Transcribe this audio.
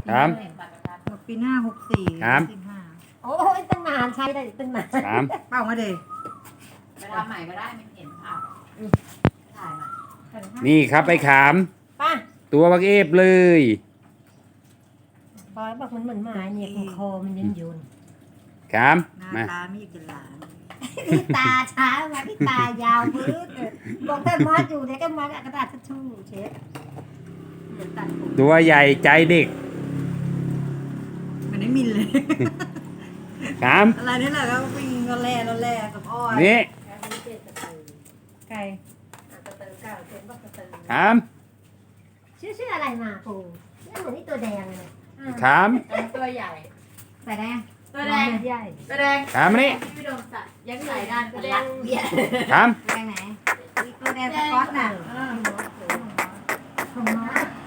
ครับหมดปีหน้า64 ครับโอ้ยตั้งนานใช้ได้ตั้งนานสามเป้ามาเด็ไปทำใหม่ก็ได้ไม่เห็นภาพถ่ายมานี่ครับไอ้ขามป้าตัวบักเอฟเลยปอยบอกมันเหมือนหมาเนี่ยของคอมันยืนยืนขามหน้ามาตาไม่อยากจะหลานพี่ตาช้ามาพี่ตายาวพื้นบอกถ้ามอสอยู่เนี่ยก็มอสกระดาษทิชชู่เช็ดเดี๋ยวตัดผมตัวใหญ่ใจเด็กเหมือนได้มินเลยขามอะไรนี่แหละก็วิ่งรอแล่กับอ้อยนี่ไก่ตะเตอเก้าเจ็ดบอกตะเตอขามชื่ออะไรมาปูนี่เหมือนนี่ตัวแดงเลยขามตัวใหญ่ใส่แดงตัวแดงใหญ่ตัวแดงขามมานี่พี่โดมใส่ยังใส่ด้านตัวแดงเบียดขามแดงไหนตัวแดงสก๊อตน่ะของมอส